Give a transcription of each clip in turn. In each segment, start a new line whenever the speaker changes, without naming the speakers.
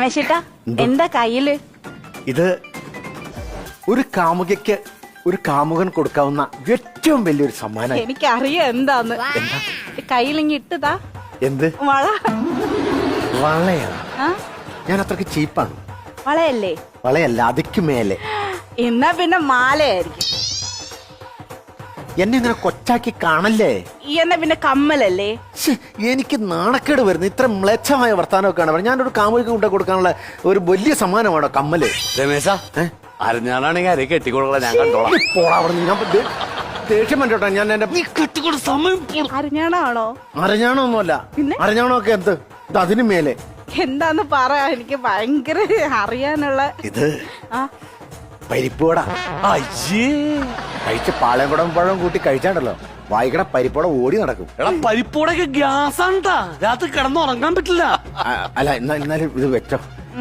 രമേശേട്ടാ എന്താ കയ്യില്?
ഇത് ഒരു കാമുകയ്ക്ക് ഒരു കാമുകൻ കൊടുക്കാവുന്ന ഏറ്റവും വലിയൊരു സമ്മാനം.
എനിക്കറിയാം എന്താന്ന്. കയ്യിലിങ്ങി ഇട്ടതാ.
എന്ത്
വള?
വളയാണ്.
ആ?
ഞാൻ അത്രക്ക് ചീപ്പാണ്.
വളയല്ലേ?
വളയല്ല, അതിക്ക് മേലെ.
എന്നാ പിന്നെ മാലയായിരിക്കും.
എന്നെ ഇങ്ങനെ കൊച്ചാക്കി കാണല്ലേ.
എന്നാ പിന്നെ കമ്മലല്ലേ?
ശ്ശെ, എനിക്ക് നാണക്കേട് വരുന്നു. ഇത്ര മ്ലേച്ഛമായ വർത്താനമൊക്കെയാണ്. ഞാനൊരു കാമുകൾക്ക് കൊണ്ടു കൊടുക്കാനുള്ള ഒരു വലിയ സമ്മാനമാണോ കമ്മല്?
രമേശ അരഞ്ഞാണെങ്കിൽ അരയെ കെട്ടിക്കൊടുക്കള, ഞാൻ കണ്ടോളാം.
ദേഷ്യം പറ്റോട്ടെ. ഞാൻ എന്റെ
കെട്ടിക്കൊടു സമയം
അരഞ്ഞാണോ?
അരഞ്ഞാണൊന്നുമല്ല.
പിന്നെ?
അരഞ്ഞാണൊക്കെ എന്ത്? ഇത് അതിന് മേലെ.
എന്താന്ന് പറയാ, എനിക്ക് ഭയങ്കര അറിയാനുള്ള.
ഇത്
ആ
പരിപ്പുവട.
അയ്യേ,
കഴിച്ച പാളയംകുടം പഴം കൂട്ടി കഴിച്ചാണ്ടല്ലോ വായിക്കട പരിപ്പോടെ ഓടി നടക്കും.
എടാ പരിപ്പോടൊക്കെ ഗ്യാസ് ആണ്ടാ, രാത്രി കിടന്നുറങ്ങാൻ പറ്റില്ല.
അല്ല എന്നാലും ഇത് വെച്ചോ.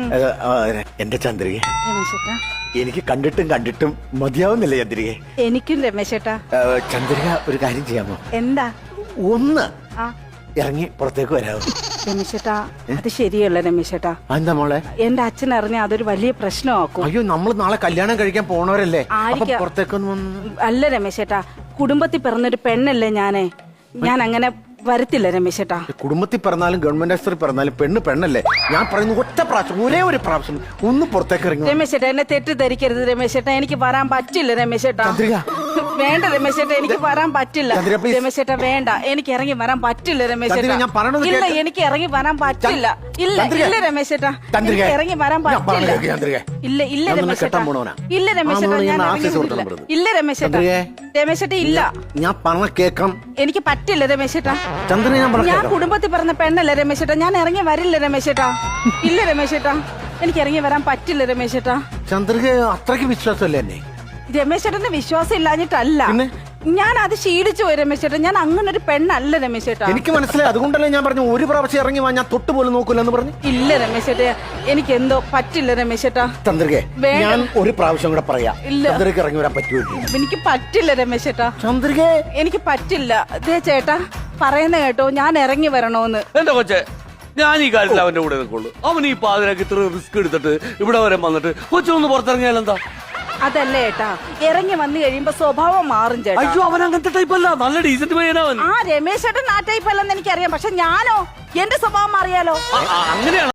എന്റെ ചന്ദ്രിക,
രമേശേട്ടാ
എനിക്ക് കണ്ടിട്ടും മതിയാവുന്നില്ല ചന്ദ്രികെ.
എനിക്കും രമേശേട്ടാ.
ചന്ദ്രിക ഒരു കാര്യം ചെയ്യാമോ?
എന്താ?
ഒന്ന്
ആ
ഇറങ്ങി പുറത്തേക്ക് വരാമോ?
രമേശേട്ടാ അത് ശരിയല്ല രമേശേട്ടാ.
എന്താ മോളെ?
എന്റെ അച്ഛൻ അറിഞ്ഞ അതൊരു വലിയ പ്രശ്നമാക്കും.
അയ്യോ, നമ്മൾ നാളെ കല്യാണം കഴിക്കാൻ പോണവരല്ലേ.
ആയിരിക്കാം.
പുറത്തേക്കൊന്നും
അല്ല രമേശേട്ടാ, കുടുംബത്തിൽ പിറന്നൊരു പെണ്ണല്ലേ ഞാനേ. ഞാൻ അങ്ങനെ വരത്തില്ല രമേശേട്ടാ.
കുടുംബത്തിൽ പിറന്നാലും ഗവൺമെന്റ് ആശുപത്രി പിറന്നാലും പെണ്ണല്ലേ. ഞാൻ പറയുന്നു ഒറ്റ പ്രാവശ്യം, ഒരേ ഒരു പ്രാവശ്യം ഒന്ന് പുറത്തേക്ക് ഇറങ്ങി.
രമേശേട്ടാ എന്നെ തെറ്റിദ്ധരിക്കരുത് രമേശേട്ടാ, എനിക്ക് വരാൻ പറ്റില്ല രമേശേട്ടാ. വേണ്ട രമേശേട്ടാ, എനിക്ക് വരാൻ പറ്റില്ല രമേശേട്ടാ. വേണ്ട, എനിക്ക് ഇറങ്ങി വരാൻ പറ്റില്ല രമേശേട്ടാ. ഇല്ല, എനിക്ക് ഇറങ്ങി വരാൻ പറ്റില്ല. ഇല്ല ഇല്ല രമേശേട്ടാ, എനിക്ക് ഇറങ്ങി വരാൻ പറ്റില്ല. ഇല്ല ഇല്ല രമേശേട്ടാ, ഇല്ല രമേശേട്ടാ, ഞാൻ ഇല്ല രമേശേട്ടാ. രമേശേട്ടാ ഇല്ല,
ഞാൻ പറഞ്ഞ കേൾക്കാം.
എനിക്ക് പറ്റില്ല രമേശേട്ടാ.
ഞാൻ
കുടുംബത്തിൽ പറഞ്ഞ പെണ്ണല്ലേ രമേശേട്ടാ, ഞാൻ ഇറങ്ങി വരില്ല രമേശേട്ടാ. ഇല്ല രമേശേട്ടാ, എനിക്ക് ഇറങ്ങി വരാൻ പറ്റില്ല രമേശേട്ടാ.
ചന്ദ്രിക അത്രയ്ക്ക് വിശ്വാസമല്ലേ എന്നെ?
രമേശേട്ടന്റെ വിശ്വാസം ഇല്ലാഞ്ഞിട്ടല്ല, ഞാൻ അത് ശീലിച്ചു പോയി രമേശേട്ടാ. ഞാൻ അങ്ങനെ ഒരു പെണ്ണല്ല രമേശേട്ടാ.
എനിക്ക് മനസ്സിലായി. അതുകൊണ്ടല്ലേ ഞാൻ പറഞ്ഞു ഒരു പ്രാവശ്യം ഇറങ്ങി വാ, ഞാൻ തൊട്ട് പോലും നോക്കൂല എന്ന് പറഞ്ഞു.
ഇല്ല രമേശേട്ടാ, എനിക്ക് എന്തോ പറ്റില്ല രമേശേട്ടാ.
ചന്ദ്രികെ, ഞാൻ ഒരു പ്രാവശ്യം കൂടെ പറയാം.
ഇല്ല,
ചന്ദ്രിക ഇറങ്ങി വരാൻ പറ്റുമോ?
എനിക്ക് പറ്റില്ല രമേശേട്ടാ.
ചന്ദ്രികെ
എനിക്ക് പറ്റില്ല. ദേ ചേട്ടാ പറയുന്ന കേട്ടോ, ഞാൻ ഇറങ്ങി വരണോന്ന്.
എന്റെ കൊച്ചെ, ഞാൻ ഈ കാര്യത്തിൽ അവന്റെ കൂടെ നിൽക്കുള്ളൂ. അവൻ ഈ പാതിരാക്ക് ഇത്ര റിസ്ക് എടുത്തിട്ട് ഇവിടെ വരെ വന്നിട്ട് കൊച്ചൊന്ന് പുറത്തിറങ്ങിയാൽ എന്താ?
അതല്ലേ ഏട്ടാ, ഇറങ്ങി വന്നു കഴിയുമ്പോ സ്വഭാവം മാറും ചേട്ടാ.
അയ്യോ, അവൻ അങ്ങനത്തെ ടൈപ്പ് അല്ല, നല്ല ഡീസന്റ് പയ്യനവൻ.
ആ രമേശേട്ടൻ ആ ടൈപ്പ് അല്ലെന്ന് എനിക്കറിയാം, പക്ഷെ ഞാനോ, എന്റെ സ്വഭാവം അറിയാലോ.
അങ്ങനെയാണ്.